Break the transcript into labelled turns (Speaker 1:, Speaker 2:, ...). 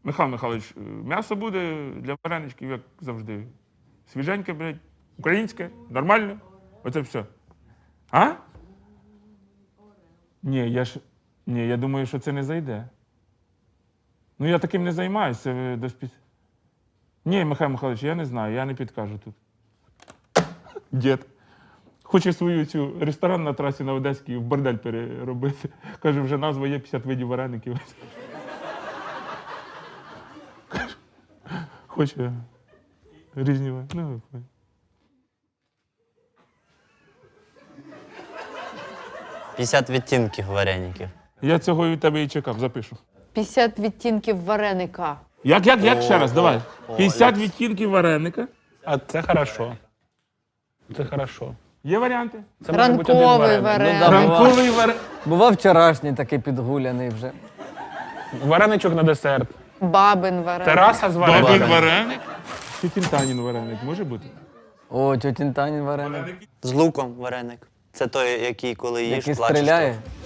Speaker 1: Михайло Михайлович, м'ясо буде для вареничків, як завжди. Свіженьке, блядь, українське, нормально. Оце все. А? Ні, я думаю, що це не зайде. Ну, я таким не займаюся. Ні, Михайло Михайлович, я не знаю, я не підкажу тут. Дід. Хоче свою цю ресторан на трасі на Одеській в бордель переробити. Каже, вже назва є 50 видів вареників. Хоче різні вареники.
Speaker 2: 50 відтінків вареників.
Speaker 1: Я цього від тебе і чекав, запишу.
Speaker 3: 50 відтінків вареника.
Speaker 1: Як? Ще раз, давай. 50 відтінків вареника.
Speaker 4: А це хорошо. Це хорошо.
Speaker 1: Є варіанти?
Speaker 4: Це може бути один
Speaker 3: Ранковий
Speaker 4: вареник.
Speaker 3: вареник.
Speaker 5: да.
Speaker 1: Ранковий вареник.
Speaker 5: Бував вчорашній такий підгуляний вже.
Speaker 4: Вареничок на десерт.
Speaker 3: Бабин вареник.
Speaker 4: Тераса з
Speaker 1: Бабин
Speaker 4: вареником.
Speaker 1: вареник. Тітінтанін вареник може бути?
Speaker 5: О, тьотін Танін вареник.
Speaker 2: З луком вареник. Це той, який коли їш,
Speaker 5: Який
Speaker 2: плачеш.
Speaker 5: стріляє.
Speaker 2: то